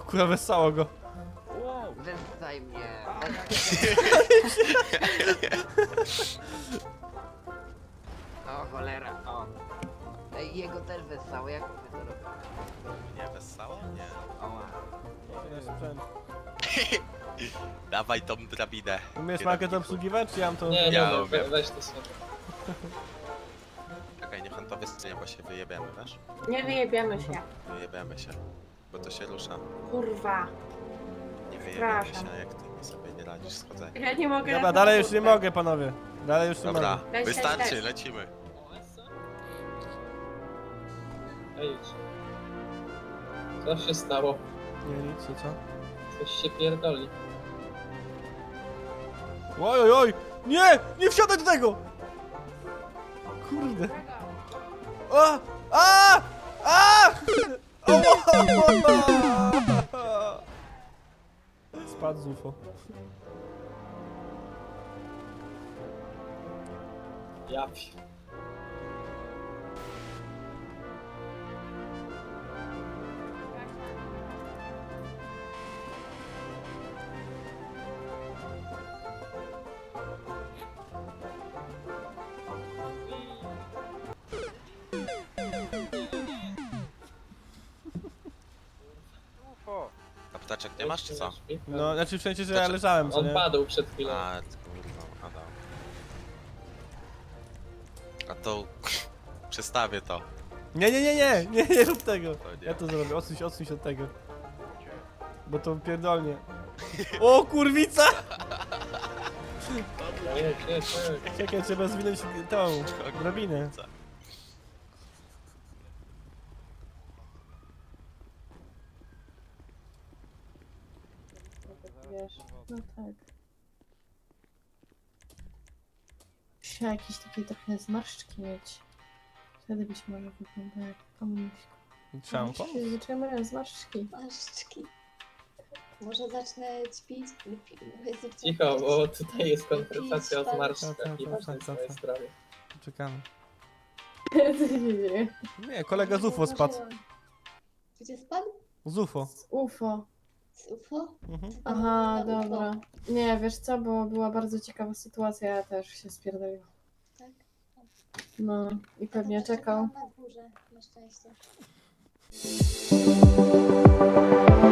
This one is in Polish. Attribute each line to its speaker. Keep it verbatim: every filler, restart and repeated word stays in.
Speaker 1: Kurwa, wesoło go.
Speaker 2: Wow.
Speaker 3: Wystaj mnie. O cholera, o. Ej, jego też wesoło, jak my to robimy?
Speaker 4: Nie, wesoło? Nie.
Speaker 3: Oła.
Speaker 4: Dawaj tą drabinę.
Speaker 1: Umiesz market obsługiwać, czy ja mam to...
Speaker 2: Nie, nie,
Speaker 4: Ja
Speaker 2: no,
Speaker 4: umiem.
Speaker 2: we, weź to sobie.
Speaker 4: Czekaj, niech on to wystanie, bo się wyjebiemy, wiesz?
Speaker 5: Nie wyjebiemy się.
Speaker 4: Wyjebiemy się. Bo to się rusza.
Speaker 5: Kurwa.
Speaker 4: Nie wyjebiemy
Speaker 5: Przepraszam.
Speaker 4: się, jak ty sobie nie radzisz z chodzeniem.
Speaker 5: Ja nie mogę...
Speaker 1: Dobra, dalej już nie mogę, panowie. Dalej już nie
Speaker 4: Dobra,
Speaker 1: mogę.
Speaker 5: Leć, leć,
Speaker 4: wystarczy,
Speaker 5: leć.
Speaker 4: lecimy.
Speaker 2: Ej, co się stało?
Speaker 1: Nie, nic, co, co?
Speaker 2: Coś się pierdoli.
Speaker 1: Oj, oj, oj! Nie! Nie wsiadaj do tego! Kurde. A! A! A! O! Spadł z U F O.
Speaker 2: Ja pi-
Speaker 4: A ptaczek nie masz, czy co?
Speaker 1: No, znaczy w sensie, że ja leżałem, co
Speaker 2: On
Speaker 1: nie?
Speaker 2: padł przed chwilą.
Speaker 4: A, kurwa, Adam. A to... Przestawię to.
Speaker 1: Nie, nie, nie, nie! Nie, nie rób tego!
Speaker 4: To nie.
Speaker 1: Ja to zrobię, odsuń się, odsuń się od tego. Bo to pierdolnie. O, kurwica!
Speaker 2: Jedź, jedź, jedź.
Speaker 1: Czekaj, trzeba zwinąć tą drabinę.
Speaker 5: Wiesz, no tak. Muszę jakieś takie trochę zmarszczki mieć. Wtedy być może wygląda jak komuniśka.
Speaker 1: Trzeba mu pomóc.
Speaker 5: Zaczynamy zmarszczki.
Speaker 6: Paszczki. Może zacznę ćwiczyć.
Speaker 2: Cicho, bo tutaj jest konfrontacja o
Speaker 1: Tak,
Speaker 2: zmarszczkach
Speaker 1: tak,
Speaker 2: i
Speaker 1: tak,
Speaker 2: ważne
Speaker 1: tak,
Speaker 2: jest
Speaker 1: tak,
Speaker 2: moje
Speaker 1: tak.
Speaker 2: zdrowie.
Speaker 1: Czekamy.
Speaker 5: Co się dzieje?
Speaker 1: Nie, kolega z U F O spadł.
Speaker 6: Gdzie spadł?
Speaker 1: Z U F O.
Speaker 5: Z U F O.
Speaker 6: Z U F O?
Speaker 1: Mhm.
Speaker 5: Aha,
Speaker 6: Na U F O.
Speaker 5: dobra. Nie, wiesz co, bo była bardzo ciekawa sytuacja, ja też się spierdoliłam.
Speaker 6: Tak.
Speaker 5: No i pewnie
Speaker 6: To też
Speaker 5: czekał.
Speaker 6: Na górze, na szczęście.